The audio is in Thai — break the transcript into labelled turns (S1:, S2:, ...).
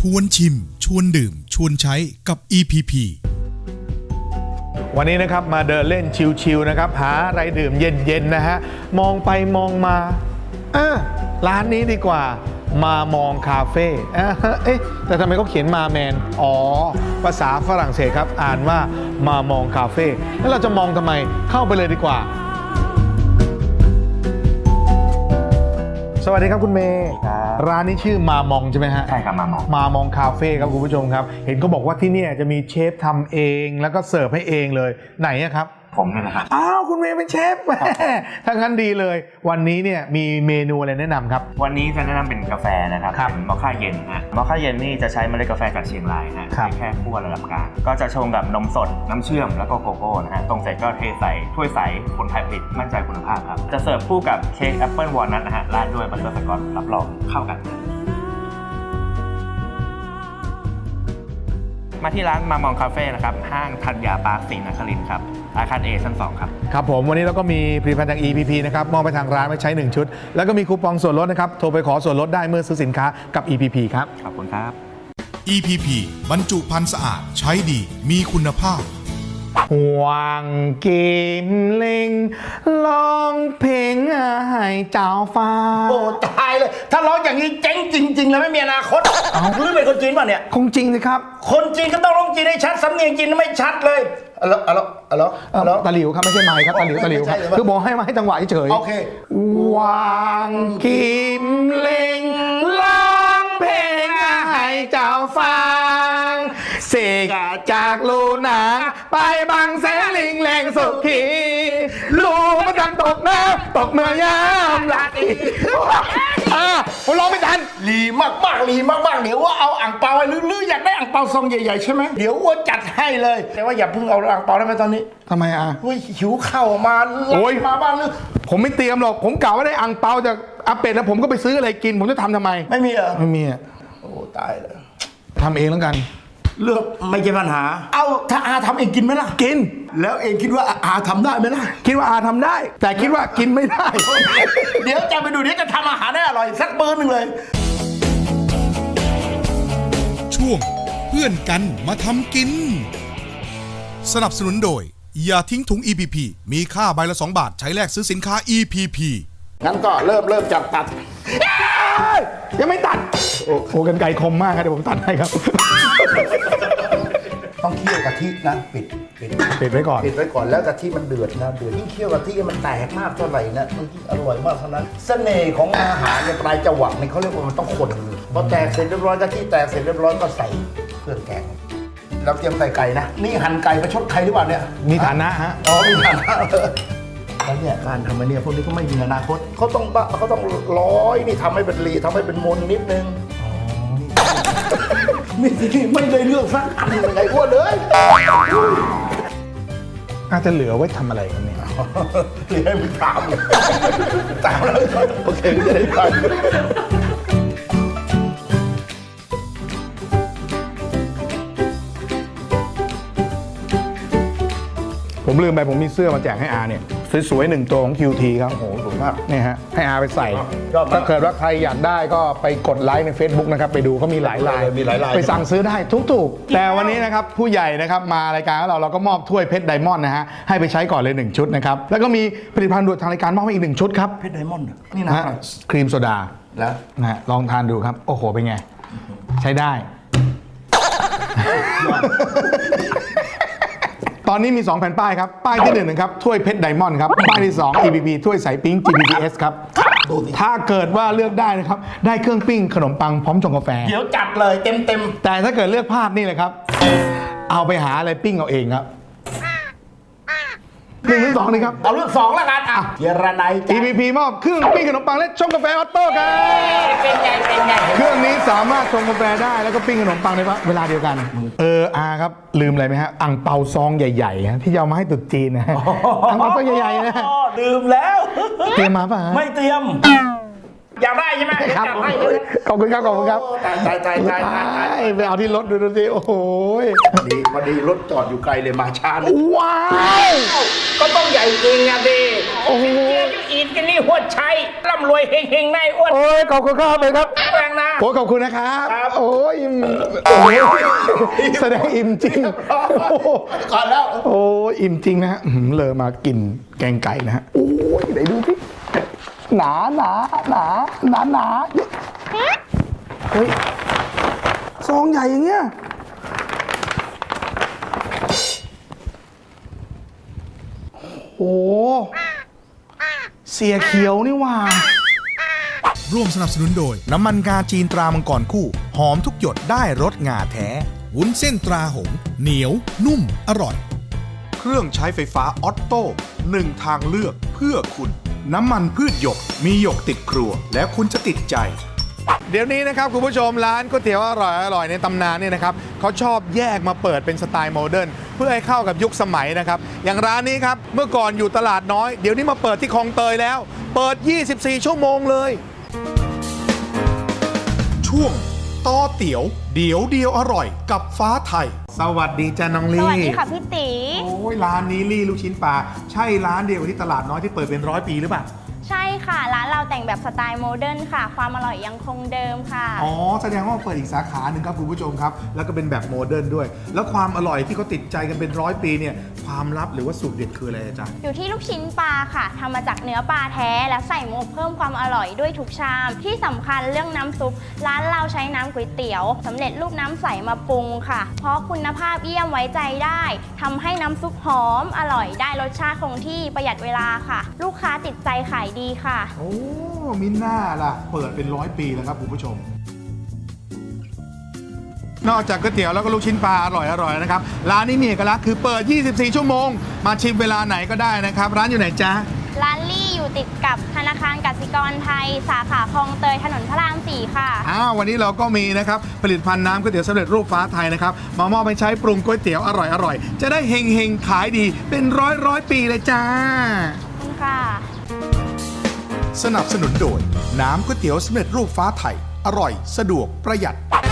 S1: วนชิมชวนดื่มชวนใช้กับ EPP
S2: วันนี้นะครับมาเดินเล่นชิลๆนะครับหาอะไรดื่มเย็นๆนะฮะมองไปมองมาร้านนี้ดีกว่ามามองคาเฟ่เอ๊ะแต่ทำไมเขาเขียนมาแมนภาษาฝรั่งเศสครับอ่านว่ามามองคาเฟ่แล้วเราจะมองทำไมเข้าไปเลยดีกว่าสวัสดีครับคุณเมย์ร้านนี้ชื่อมามองใช่ไหมฮะ
S3: ใช่ครับมาม
S2: องคาเฟ่ครับคุณผู้ชมครับเห็นเขาบอกว่าที่นี่จะมีเชฟทำเองแล้วก็เสิร์ฟให้เองเลยไหนครับ
S3: ผมเนี่ยนะครับ
S2: อ้าวคุณเมย์เป็นเชฟถ้างั้นดีเลยวันนี้เนี่ยมีเมนูอะไรแนะนำครับ
S3: วันนี้จะแนะนำเป็นกาแฟนะครับเป็นมอคค่าเย็นฮะมอคค่าเย็นนี่จะใช้เมล็ดกาแฟจากเชียงรายฮะแค่คั่วระดับกลางก็จะชงกับนมสดน้ำเชื่อมแล้วก็โกโก้นะฮะตรงเสร็จก็เทใส่ถ้วยใสคนไทยผลิตมั่นใจคุณภาพครับจะเสิร์ฟคู่กับเค้กแอปเปิลวอลนัทนะฮะราดด้วยบัตเตอร์สกอตรับรองเข้ากันมาที่ร้านมามองคาเฟ่นะครับห้างธัญญาปาร์คศรีนครินทร์ครับอาคาร A ชั้น 2ครับ
S2: ครับผมวันนี้เราก็มีผลิตภัณฑ์จาก EPP นะครับมอบไปทางร้านไว้ใช้1ชุดแล้วก็มีคูปองส่วนลดนะครับโทรไปขอส่วนลดได้เมื่อซื้อสินค้ากับ EPP ครับ
S3: ขอบคุณครับ
S1: EPP บรรจุภัณฑ์สะอาดใช้ดีมีคุณภาพ
S2: หวังกิมเล็งร้องเพลงให้เจ้าฟ้า
S4: โอ้ตายเลยถ้าร้องอย่างนี้เจ๊งจริงๆเลยไม่มีอนาคตหรือเป็นคนจีนป่ะเนี่ย
S2: คงจริงสิครับ
S4: คนจีนก็ต้องร้องจีนให้ชัดสำเนียงจีนไม่ชัดเลย
S2: ตะหลิวครับไม่ใช่ไม้ครับตะหลิวครับคือบอกให้มาให้จังหวะเฉย
S4: โอเค
S2: หวังกิมเล็งร้องเพลงให้เจ้าฟังเสกจากลูนาไปบางแสนลิงแรงสุขีลูมันดันตกน้ำตกเมื่อยามลาตีผมร้องไม่ทัน
S4: ลีมากๆลีมากๆเดี๋ยวว่าเอาอ่างเปาหรืออยากได้อ่างเปาซองใหญ่ๆใช่ไหมเดี๋ยวว่าจัดให้เลยแต่ว่าอย่าเพิ่งเอาอ่างเปาได้ไหมตอนนี้
S2: ทำไม
S4: หิวข้าวมามาบ้างหรือ
S2: ผมไม่เตรียมหรอกผมกะว่าได้อ่างเปาจากอาเป็ดแล้วผมก็ไปซื้ออะไรกินผมจะทำไม
S4: ไม่มีเหรอ
S2: ไม่มี
S4: โอ้ตายเลย
S2: ทำเองแล้วกัน
S4: เลือกไม่ใช่ปัญหาเอาถ้าอาทำเองกินไหมล่ะ
S2: กิน
S4: แล้วเองคิดว่าอาทำได้ไหมล่ะ
S2: คิดว่าอาทำได้แต่คิดว่ากินไม่ได้
S4: เดี๋ยวจะไปดูเดี๋ยวจะทำอาหารได้อร่อยสักมื้อนึงเลย
S1: ช่วงเพื่อนกันมาทำกินสนับสนุนโดยอย่าทิ้งถุง EPP มีค่าใบละ2 บาทใช้แลกซื้อสินค้า EPP
S4: งั้นก็เริ่มจากตัด
S2: ยังไม่ตัดโอ้กันไกลคมมากครับเดี๋ยวผมตัดให้ครับ
S4: ต้องเคี่ยวกะทินะปิด
S2: ไว้ก่อน
S4: แล้วกะทิมันเดือดยิ่งเคี่ยวกะทิมันแตกมากเท่าไหร่นะมันยิ่งอร่อยมากเท่านั้นเสน่ห์ของอาหารในปลายจวักเนี่ยเขาเรียกว่ามันต้องคนพอแตกเสร็จเรียบร้อยกะทิแตกเสร็จเรียบร้อยก็ใส่เครื่องแกงเราเตรียมใส่ไก่นะนี่หั่นไก่ประชดใครหรือเปล่าเนี่ย
S2: มีฐานะฮะ
S4: มีฐานะแล้วเนี่ยการทำมาเนี่ยพวกนี้ก็ไม่มีอนาคตเขาต้องร้อยนี่ทำให้เป็นรีทำให้เป็นมนนิดนึงนี่ไม่ได้เลือกสักอันยังไงอ้วนเลย
S2: อาจจะเหลือไว้ทำอะไรกันเนี่ย
S4: เหลือให้มึงถามแล้วโอเคจะได้ฟัง
S2: ผมลืมไปผมมีเสื้อมาแจกให้อาเนี่ยสวยๆ1 ตัวของ QT ครับ
S4: โอ้โหสวยมาก
S2: นี่ฮะให้อาไปใส่ถ้าเกิดว่าใครอยากได้ก็ไปกดไลค์ใน Facebook นะครับไปดูเขามีหลายลายไปสั่งซื้อได้ทุกๆแต่วันนี้นะครับผู้ใหญ่นะครับมารายการเราก็มอบถ้วยเพชรไดมอนด์นะฮะให้ไปใช้ก่อนเลย1ชุดนะครับแล้วก็มีผลิตภัณฑ์ด่วนทางรายการมอบให้อีก1ชุดครับ
S4: เพชรไดมอนด์นี่นะ
S2: ครีมโซดา
S4: แล้ว
S2: นะฮะลองทานดูครับโอ้โหเป็นไงใช้ได้ตอนนี้มี 2 แผ่นป้ายครับป้ายที่1นะครับถ้วยเพชรไดมอนด์ครับป้ายที่2 EPP ถ้วยใสปิ้ง GPPS ครับถ้าเกิดว่าเลือกได้นะครับได้เครื่องปิ้งขนมปังพร้อมชงกาแฟ
S4: เดี๋ยวจัดเลยเต็ม
S2: แต่ถ้าเกิดเลือกพลาดนี่เลยครับเอาไปหาอะไรปิ้งเอาเองครับ1 หรือ 2นี่ครับ
S4: เอาเลือก2แล้วกันเจรนาย
S2: EPP มอบเครื่องปิ้งขนมปังและชงกาแฟออโต้ครับ
S4: เป็นไง
S2: เครื่องนี้สามารถชงกาแฟได้แล้วก็ปิ้งขนมปังในเวลาเดียวกันครับลืมอะไรไหมฮะอ่างเปาซองใหญ่ๆที่จะเอามาให้ตุ๊จีนนะอ่างเปาซองใหญ่ๆนะ
S4: ลืมแล้ว
S2: เตรียมมาป่ะ
S4: ไม่เตรียมอยากได้ใช่ไหม
S2: ครับขอบคุณครับ
S4: ตาย
S2: ไปเอาที่รถดูสิโอ้โห
S4: พอดีรถจอดอยู่ไกลเลยมาช้า
S2: ว้าว
S4: ก็ต้องใหญ่จริงอ่ะดิ
S2: โอ้โห
S4: อินแก
S2: ที่นี่หัวชัยร่ำรวยเฮงๆนายอ้วน
S5: โอ้ยขอบคุณครับเลยครับ
S2: แรงนะ
S5: โอ้ยขอบคุณนะครับ
S2: ครับ
S5: โอ้ยอิ่มโอ้ยแสดงอิ่มจริงโอ้โห
S4: ก่อนแล้ว
S5: โอ้ยอิ่มจริงนะฮะเลยมากินแกงไก่นะฮะโอ้ยไหนดูสิหนาเฮ้ยซองใหญ่อย่างเงี้ยโอ้เสียเขียวนี่หว่า
S1: ร่วมสนับสนุนโดย น้ำมันงาจีนตรามังกรคู่ หอมทุกหยดได้รสงาแท้ วุ้นเส้นตราหงส์เหนียว นุ่ม อร่อย เครื่องใช้ไฟฟ้าออตโต้หนึ่งทางเลือกเพื่อคุณ น้ำมันพืชหยกมีหยกติดครัว แล้วคุณจะติดใจ
S5: เดี๋ยวนี้นะครับคุณผู้ชมร้านก๋วยเตี๋ยวอร่อยในตำนานเนี่ยนะครับเขาชอบแยกมาเปิดเป็นสไตล์โมเดิร์นเพื่อให้เข้ากับยุคสมัยนะครับอย่างร้านนี้ครับเมื่อก่อนอยู่ตลาดน้อยเดี๋ยวนี้มาเปิดที่คลองเตยแล้ว เปิด 24 ชั่วโมงเลย
S1: ช่วงต่อเตี๋ยวเดี๋ยวเดียวอร่อยกับฟ้าไทย
S5: สวัสดีจ้าน้อง
S6: ส
S5: ลี่
S6: วัสดีค่ะพี่ตี
S5: โอ้ยร้านนี้ลี่ลูกชิ้นปลาใช่ร้านเดียวกับที่ตลาดน้อยที่เปิดเป็น100 ปีหรือเปล่า
S6: ใช่ค่ะ ร้านเราแต่งแบบสไตล์โมเดิร์นค่ะ ความอร่อยยังคงเดิมค่ะ
S5: อ๋อแสดงว่าเปิดอีกสาขาหนึ่งครับคุณผู้ชมครับแล้วก็เป็นแบบโมเดิร์นด้วย แล้วความอร่อยที่เขาติดใจกันเป็น100 ปีเนี่ยความลับหรือว่าสูตรเด็ดคืออะไรจ๊ะ
S6: อยู่ที่ลูกชิ้นปลาค่ะทำมาจากเนื้อปลาแท้และใส่หมูอบเพิ่มความอร่อยด้วยทุกชาม ที่สำคัญเรื่องน้ำซุปร้านเราใช้น้ำก๋วยเตี๋ยวสำเร็จรูปน้ำใสมาปรุงค่ะ เพราะคุณภาพเยี่ยมไว้ใจได้ทำให้น้ำซุปหอมอร่อยได้รสชาติคงที่ประหยัดเวลาค่ะ ลูกค้าติดใจขายดีค่ะ
S5: โอ้มิน่าล่ะเปิดเป็น100 ปีแล้วครับคุณผู้ชม นอกจากก๋วยเตี๋ยวแล้วก็ลูกชิ้นปลาอร่อยนะครับร้านนี้มีเอกลักษณ์คือเปิด 24 ชั่วโมง มาชิมเวลาไหนก็ได้นะครับร้านอยู่ไหนจ๊ะ
S6: ร้านลี่อยู่ติดกับธนาคารกสิกรไทย สาขาคลองเตยถนนพระราม 4 ค่ะ
S5: วันนี้เราก็มีนะครับผลิตภัณฑ์น้ำก๋วยเตี๋ยวสำเร็จรูปฟ้าไทยนะครับมามอบไปใช้ปรุงก๋วยเตี๋ยวอร่อยจะได้เฮงๆขายดีเป็นร้อยปีเลยจ้า
S6: ขอบคุณค่ะ
S1: สนับสนุนโดย น้ำก๋วยเตี๋ยวสำเร็จรูปฟ้าไทย อร่อย สะดวกประหยัด